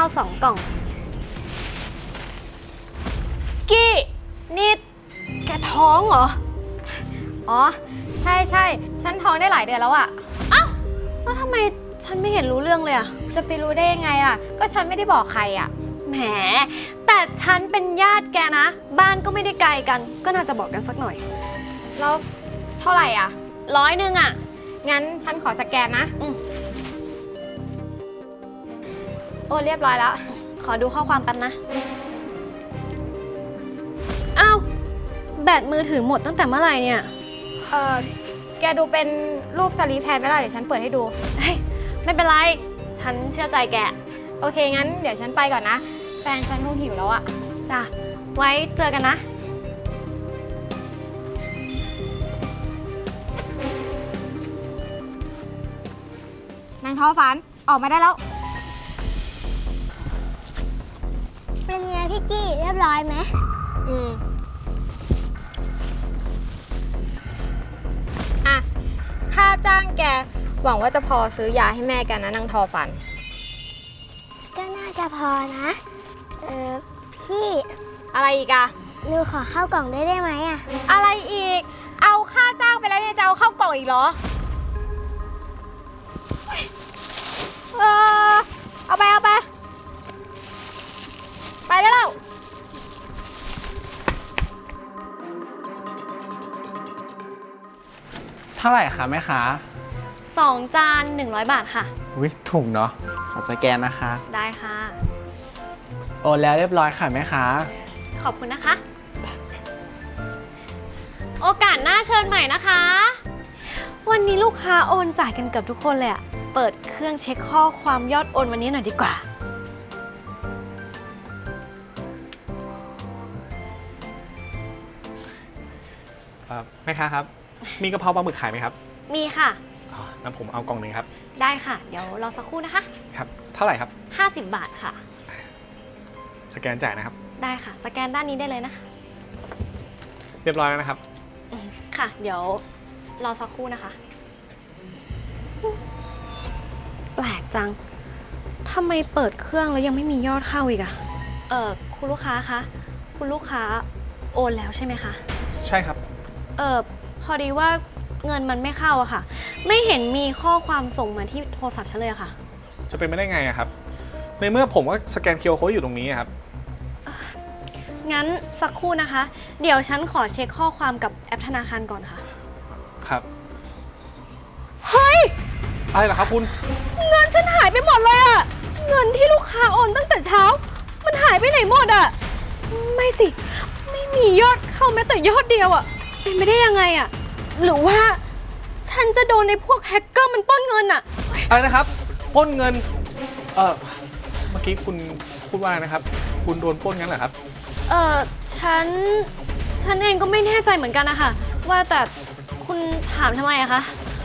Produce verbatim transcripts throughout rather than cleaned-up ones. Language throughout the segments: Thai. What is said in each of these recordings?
าวสองกล่องกี้นี่แกท้องเหรออ๋อใช่ใช่ฉันท้องได้หลายเดือนแล้วอะอ้าวแล้วทำไมฉันไม่เห็นรู้เรื่องเลยอะจะไปรู้ได้ยังไงล่ะก็ฉันไม่ได้บอกใครอะแหมแต่ฉันเป็นญาติแกนะบ้านก็ไม่ได้ไกลกันก็น่าจะบอกกันสักหน่อยแล้วเท่าไหร่อ่ะร้อยหนึ่งอ่ะงั้นฉันขอสแกนนะอืมโอ้เรียบร้อยแล้วขอดูข้อความแป๊บนะอ้าวแบตมือถือหมดตั้งแต่เมื่อไหร่เนี่ยเออแกดูเป็นรูปสลีปแทนไม่ได้เดี๋ยวฉันเปิดให้ดูเฮ้ยไม่เป็นไรฉันเชื่อใจแกโอเคงั้นเดี๋ยวฉันไปก่อนนะแฟนฉันคงหิวแล้วอะจ้ะไว้เจอกันนะนางท้อฝันออกมาได้แล้วเป็นไงพี่กี้เรียบร้อยไหมอืมอ่ะค่าจ้างแกหวังว่าจะพอซื้อยาให้แม่แกนะนางทอฝันก็น่าจะพอนะเออพี่อะไรอีกอะหนูขอเข้ากล่องได้ได้ไหมอะอะไรอีกเอาค่าจ้างไปแล้วยังจะเอาเข้ากล่องอีกเหรอเออเอาไปเอาไปไปได้แล้วเท่าไหร่คะแม่ค้าสองจานหนึ่งร้อยบาทค่ะวิถูกเนาะขอสแกนนะคะได้ค่ะโอนแล้วเรียบร้อยค่ะแม่ค้าขอบคุณนะคะโอกาสหน้าเชิญใหม่นะคะวันนี้ลูกค้าโอนจ่ายกันเกือบทุกคนเลยอะเปิดเครื่องเช็คข้อความยอดโอนวันนี้หน่อยดีกว่าแม่ค้าครับมีกะเพราปลาหมึกขายไหมครับมีค่ะอ๋องั้นผมเอากล่องหนึ่งครับได้ค่ะเดี๋ยวรอสักครู่นะคะครับเท่าไหร่ครับห้าสิบบาทค่ะสแกนจ่ายนะครับได้ค่ะสแกนด้านนี้ได้เลยนะคะเรียบร้อยแล้วนะครับค่ะเดี๋ยวรอสักครู่นะคะแปลกจังทำไมเปิดเครื่องแล้วยังไม่มียอดเข้าอีกอะเออคุณลูกค้าคะคุณลูกค้าโอนแล้วใช่ไหมคะใช่ครับเออพอดีว่าเงินมันไม่เข้าอะค่ะไม่เห็นมีข้อความส่งมาที่โทรศัพท์ฉันเลยอะค่ะจะเป็นไม่ได้ไงอะครับในเมื่อผมก็สแกน คิว อาร์ Code อยู่ตรงนี้ครับงั้นสักครู่นะคะเดี๋ยวฉันขอเช็คข้อความกับแอปธนาคารก่อนค่ะครับเฮ้ยอะไรเหรอครับคุณเงินฉันหายไปหมดเลยอะเงินที่ลูกค้าโอนตั้งแต่เช้ามันหายไปไหนหมดอะไม่สิไม่มียอดเข้าแม้แต่ยอดเดียวอะเป็นไปได้ยังไงอะหรือว่าฉันจะโดนในพวกแฮกเกอร์มันปล้นเงินอะอะไรนะครับปล้นเงินเออเมื่อกี้คุณพูดว่านะครับคุณโดนปล้นงั้นเหรอครับเออฉันฉันเองก็ไม่แน่ใจเหมือนกันนะคะว่าแต่คุณถามทำไมอะคะ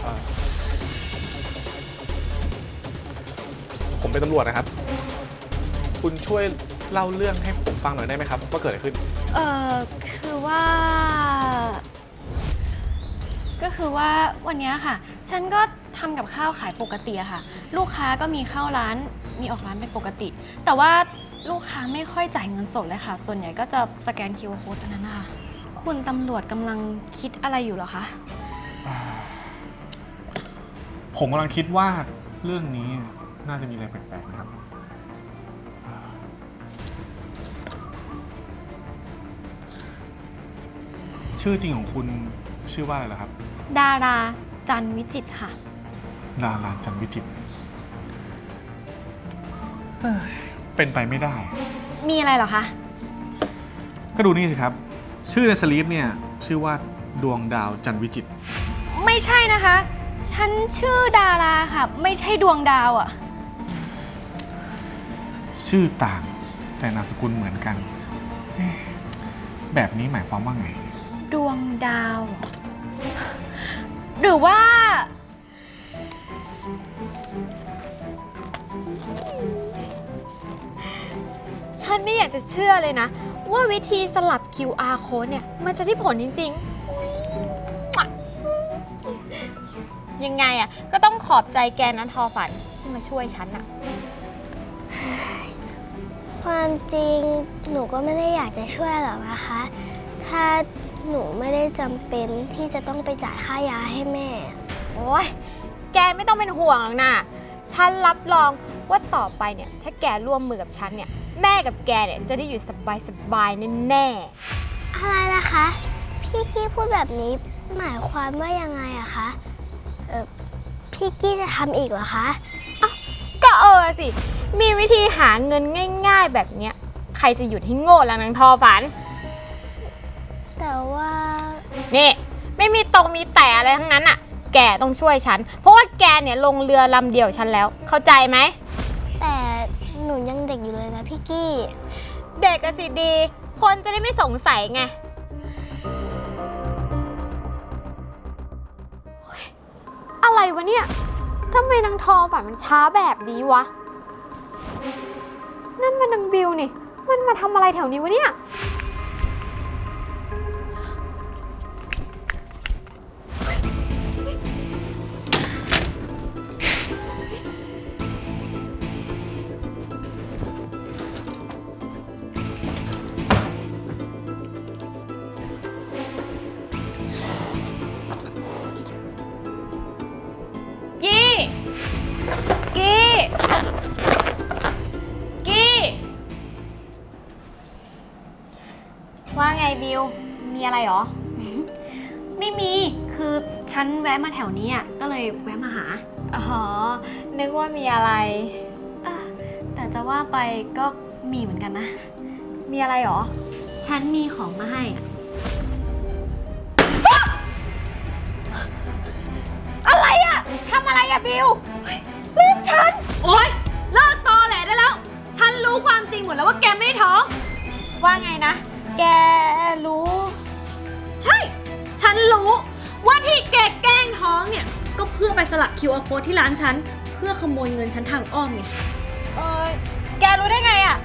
ผมเป็นตำรวจนะครับคุณช่วยเล่าเรื่องให้ผมฟังหน่อยได้ไหมครับว่าเกิดอะไรขึ้นเออคือว่าก็คือว่าวันนี้ค่ะฉันก็ทำกับข้าวขายปกติอะค่ะลูกค้าก็มีเข้าร้านมีออกร้านเป็นปกติแต่ว่าลูกค้าไม่ค่อยจ่ายเงินสดเลยค่ะส่วนใหญ่ก็จะสแกน คิว อาร์ Code เท่านั้นนะคะคุณตำรวจกำลังคิดอะไรอยู่เหรอคะผมกำลังคิดว่าเรื่องนี้น่าจะมีอะไรแปลกๆนะครับชื่อจริงของคุณชื่อว่าอะไรล่ะครับดาราจันวิจิตรค่ะดาราจันวิจิตรเป็นไปไม่ได้มีอะไรเหรอคะก็ดูนี่สิครับชื่อในสลีปเนี่ยชื่อว่าดวงดาวจันวิจิตรไม่ใช่นะคะฉันชื่อดาราค่ะไม่ใช่ดวงดาวอะชื่อต่างแต่นามสกุลเหมือนกันแบบนี้หมายความว่าไงดวงดาวหรือว่าฉันไม่อยากจะเชื่อเลยนะว่าวิธีสลับ คิว อาร์ Code เนี่ยมันจะได้ผลจริงๆยังไงอะก็ต้องขอบใจแกนะทอฝันที่มาช่วยฉันอะความจริงหนูก็ไม่ได้อยากจะช่วยหรอกนะคะ ถ้าหนูไม่ได้จำเป็นที่จะต้องไปจ่ายค่ายาให้แม่โอ้ยแกไม่ต้องเป็นห่วงหรอกนะฉันรับรองว่าต่อไปเนี่ยถ้าแกร่วมมือกับฉันเนี่ยแม่กับแกเนี่ยจะได้อยู่สบายๆแน่ๆอะไรนะคะ พี่กี้พูดแบบนี้หมายความว่ายังไงอะคะเออพี่กี้จะทำอีกเหรอคะก็เออสิ มีวิธีหาเงินง่ายๆแบบเนี้ย ใครจะหยุดให้โง่แล้วนางทอฝันแต่ว่านี่ ไม่มีตรงมีแต่อะไรทั้งนั้นอ่ะ แกต้องช่วยฉัน เพราะว่าแกเนี่ยลงเรือลำเดียวฉันแล้ว เข้าใจไหมแต่หนูยังเด็กอยู่เลยนะพี่กี้เด็กก็สิดี คนจะได้ไม่สงสัยไงเฮ้ยอะไรวะเนี่ยทำไมนางทอฝันมันช้าแบบนี้วะ นั่นมันนางบิวนี่ มันมาทำอะไรแถวนี้วะเนี่ยกี้ กี้ กี้ว่าไงบิว มีอะไรหรอไม่มี คือฉันแวะมาแถวนี้อ่ะ ก็เลยแวะมาหาอ๋อ นึกว่ามีอะไรเอ่อแต่จะว่าไปก็มีเหมือนกันนะมีอะไรหรอฉันมีของมาให้อ่ะอะไรอะทำอะไรอะบิวลูกฉันโอ๊ย เลิกตอแหลได้แล้ว ฉันรู้ความจริงหมดแล้วว่าแกไม่ได้ท้องว่าไงนะ แกรู้ใช่ ฉันรู้ว่าที่แกแกล้งท้องเนี่ย ก็เพื่อไปสลัก คิว อาร์ Code ที่ร้านฉัน เพื่อขโมยเงินฉันทางอ้อมไงเออแกรู้ได้ไงอะ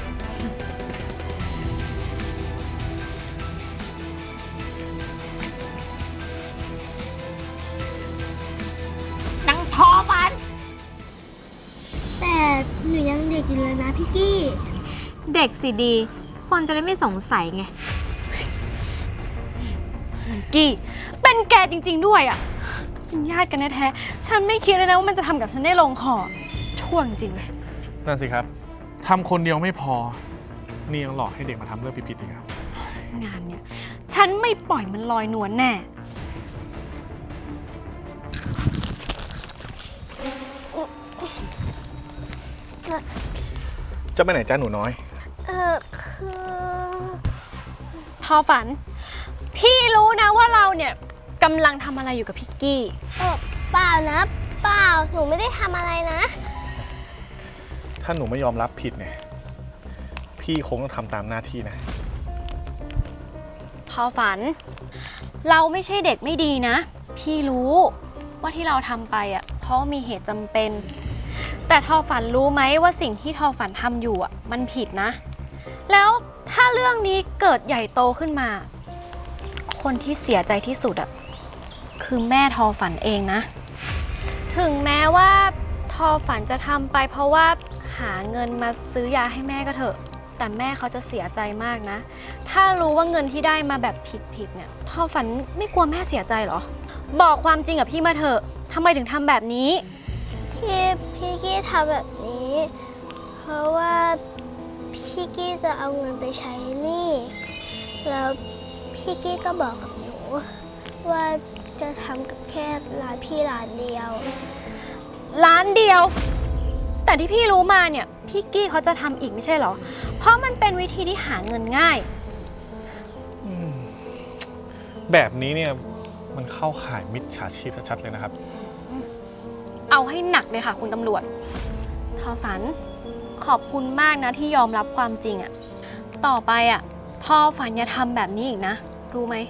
นางทอฟันแต่หนูยังเด็กอยู่เลยนะพี่กี้เด็กสิดี คนจะได้ไม่สงสัยไงกี้ เป็นแกจริงๆด้วยอ่ะ เป็นญาติกันแท้ๆ ฉันไม่คิดเลยนะว่ามันจะทำกับฉันได้ลงคอ ช่วงจริงเลยนั่นสิครับทำคนเดียวไม่พอ นี่ยังหลอกให้เด็กมาทำเรื่องผิดๆอีกครับงานเนี่ย ฉันไม่ปล่อยมันลอยนวลแน่จะไปไหนจ้าหนูน้อยเออคือทอฝัน พี่รู้นะว่าเราเนี่ยกำลังทำอะไรอยู่กับพี่กี้เออเปล่านะ เปล่า หนูไม่ได้ทำอะไรนะถ้าหนูไม่ยอมรับผิดเนี่ยพี่คงต้องทำตามหน้าที่นะทอฝัน เราไม่ใช่เด็กไม่ดีนะ พี่รู้ว่าที่เราทำไปอ่ะเพราะมีเหตุจำเป็น แต่ทอฝันรู้ไหมว่าสิ่งที่ทอฝันทำอยู่อ่ะมันผิดนะ แล้วถ้าเรื่องนี้เกิดใหญ่โตขึ้นมา คนที่เสียใจที่สุดอ่ะคือแม่ทอฝันเองนะ ถึงแม้ว่าทอฝันจะทำไปเพราะว่าหาเงินมาซื้อยาให้แม่ก็เถอะ แต่แม่เขาจะเสียใจมากนะ ถ้ารู้ว่าเงินที่ได้มาแบบผิดๆเนี่ยทอฝันไม่กลัวแม่เสียใจเหรอ บอกความจริงกับพี่มาเถอะทำไมถึงทำแบบนี้ที่พี่กี้ทำแบบนี้ เพราะว่าพี่กี้จะเอาเงินไปใช้หนี้แล้วพี่กี้ก็บอกกับหนูว่าจะทำกับแค่ร้านพี่ร้านเดียวร้านเดียว แต่ที่พี่รู้มาเนี่ยพี่กี้เขาจะทำอีกไม่ใช่เหรอ เพราะมันเป็นวิธีที่หาเงินง่ายแบบนี้เนี่ยมันเข้าข่ายมิจฉาชีพชัดๆเลยนะครับเอาให้หนักเลยค่ะคุณตำรวจ ทอฝันขอบคุณมากนะที่ยอมรับความจริงอะต่อไปอะทอฝันอย่าทำแบบนี้อีกนะ รู้ไหม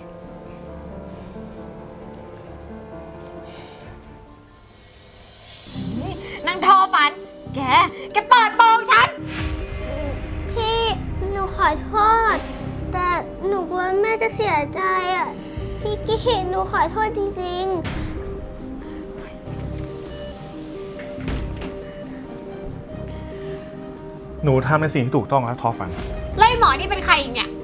นางทอฝัน แก แกเปิดโปงฉันพี่หนูขอโทษ แต่หนูกลัวแม่จะเสียใจอ่ะ พี่กี้หนูขอโทษจริงๆพหนูทำในสิ่งที่ถูกต้องแล้วทอฝันไล่หมอนี่เป็นใครอีกเนี่ย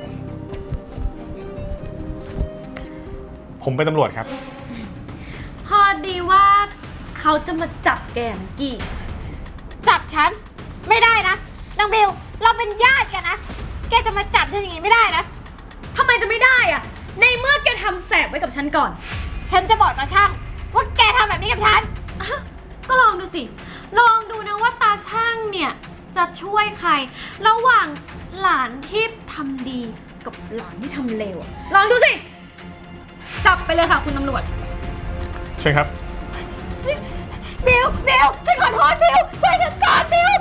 ผมเป็นตำรวจครับพอดีว่าเขาจะมาจับแกเมื่อกี้จับฉัน ไม่ได้นะนางบิวเราเป็นญาติกันนะ แกจะมาจับฉันอย่างนี้ไม่ได้นะทำไมจะไม่ได้อะในเมื่อแกทำแสบไว้กับฉันก่อนฉันจะบอกตาช่างว่าแกทำแบบนี้กับฉันก็ลองดูสิ ลองดูนะว่าตาช่างเนี่ยจะช่วยใคร ระหว่างหลานที่ทำดีกับหลานที่ทำเลวอะลองดูสิ จับไปเลยค่ะคุณตำรวจใช่ครับบิวบิวฉันขอโทษบิวช่วยฉันก่อนบิว